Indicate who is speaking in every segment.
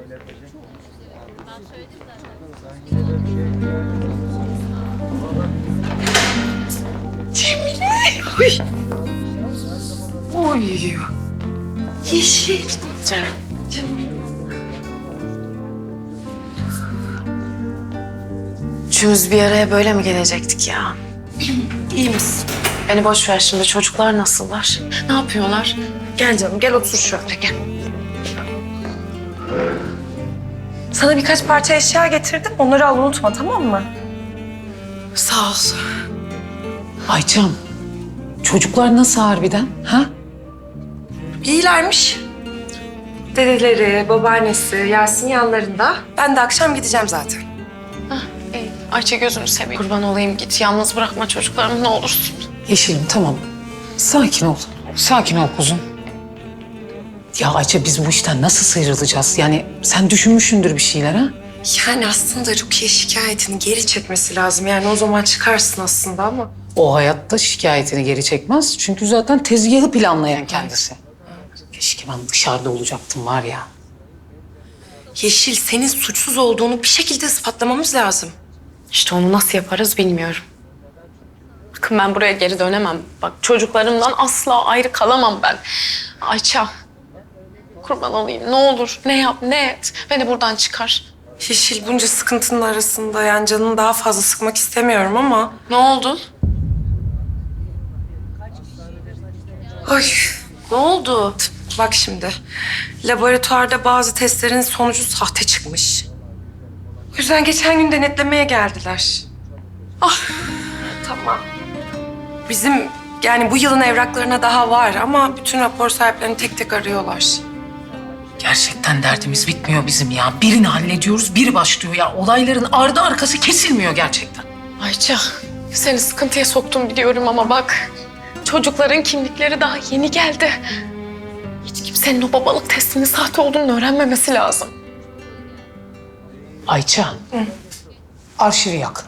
Speaker 1: Cemile! Uy! Oy! Yeşil.
Speaker 2: Üçümüz bir araya böyle mi gelecektik ya?
Speaker 1: İyi misin?
Speaker 2: Beni boş ver şimdi. Çocuklar nasıllar? Ne yapıyorlar?
Speaker 1: Gel canım, gel otur şöyle, gel. Sana birkaç parça eşya getirdim. Onları al, unutma, tamam mı?
Speaker 2: Sağ ol.
Speaker 3: Ayçam, çocuklar nasıl harbiden? Ha?
Speaker 1: İyilermiş. Dedeleri, babaannesi, Yasin yanlarında. Ben de akşam gideceğim zaten.
Speaker 2: İyi. Ayça gözünü seveyim. Kurban olayım git. Yalnız bırakma çocuklarımı ne olursun.
Speaker 3: Yeşilim tamam. Sakin ol. Sakin ol kuzum. Ya Ayça biz bu işten nasıl sıyrılacağız? Yani sen düşünmüşsündür bir şeyler ha?
Speaker 1: Yani aslında Rukiye şikayetini geri çekmesi lazım. Yani o zaman çıkarsın aslında ama.
Speaker 3: O hayatta şikayetini geri çekmez. Çünkü zaten tezgahı planlayan kendisi. Keşke ben dışarıda olacaktım var ya.
Speaker 1: Yeşil, senin suçsuz olduğunu bir şekilde ispatlamamız lazım.
Speaker 2: İşte onu nasıl yaparız bilmiyorum. Bakın ben buraya geri dönemem. Bak çocuklarımdan asla ayrı kalamam ben. Ayça. Kurban olayım ne olur ne yap ne et. Beni buradan çıkar.
Speaker 1: Yeşil, bunca sıkıntının arasında yani canını daha fazla sıkmak istemiyorum ama...
Speaker 2: Ne oldu?
Speaker 1: Ay,
Speaker 2: Ne oldu?
Speaker 1: bak şimdi. Laboratuvarda bazı testlerin sonucu sahte çıkmış. O yüzden geçen gün denetlemeye geldiler. Ah, tamam. Bizim yani bu yılın evraklarına daha var ama bütün rapor sahiplerini tek tek arıyorlar.
Speaker 3: Gerçekten derdimiz bitmiyor bizim ya. Birini hallediyoruz, biri başlıyor ya. Olayların ardı arkası kesilmiyor gerçekten.
Speaker 2: Ayça seni sıkıntıya soktum biliyorum ama bak. Çocukların kimlikleri daha yeni geldi. Hiç kimsenin o babalık testinin sahte olduğunu öğrenmemesi lazım.
Speaker 3: Ayça, arşivi yak.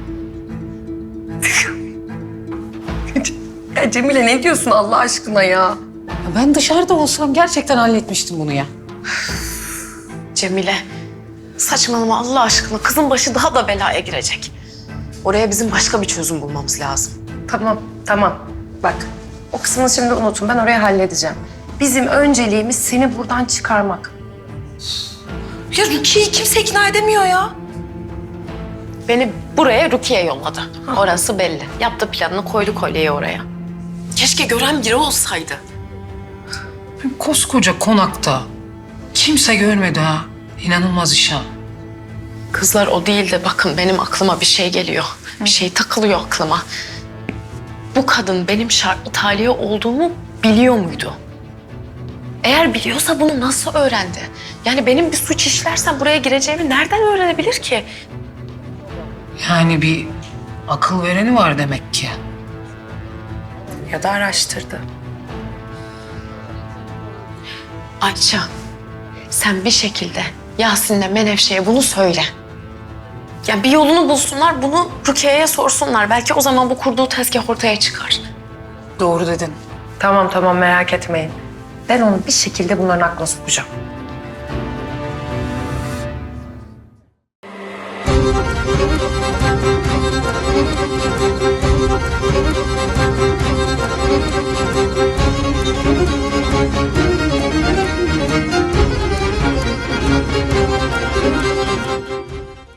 Speaker 1: Ya Cemile, ne diyorsun Allah aşkına ya?
Speaker 3: Ya ben dışarıda olsam gerçekten halletmiştim bunu ya.
Speaker 2: Cemile, saçmalama Allah aşkına. Kızın başı daha da belaya girecek. Oraya bizim başka bir çözüm bulmamız lazım.
Speaker 1: Tamam, tamam. Bak, o kısmını şimdi unutun. Ben orayı halledeceğim. Bizim önceliğimiz seni buradan çıkarmak. Ya Rukiye'yi kimse ikna edemiyor ya.
Speaker 2: Beni buraya Rukiye yolladı. Orası belli. Yaptı planını, koydu kolyeyi oraya. Keşke gören biri olsaydı.
Speaker 3: Koskoca konakta kimse görmedi ha. İnanılmaz iş ha.
Speaker 2: Kızlar o değil de bakın benim aklıma bir şey geliyor. Bir şey takılıyor aklıma. Bu kadın benim şartlı tahliye olduğumu biliyor muydu? Eğer biliyorsa bunu nasıl öğrendi? Yani benim bir suç işlersem buraya gireceğimi nereden öğrenebilir ki?
Speaker 3: Yani bir akıl vereni var demek ki.
Speaker 1: Ya da araştırdı.
Speaker 2: Ayça, sen bir şekilde Yasin'le Menevşe'ye bunu söyle. Yani bir yolunu bulsunlar, bunu Rukiye'ye sorsunlar. Belki o zaman bu kurduğu tezgah ortaya çıkar.
Speaker 3: Doğru dedin.
Speaker 1: Tamam, tamam, merak etmeyin. Ben onu bir şekilde bunların aklına sokacağım.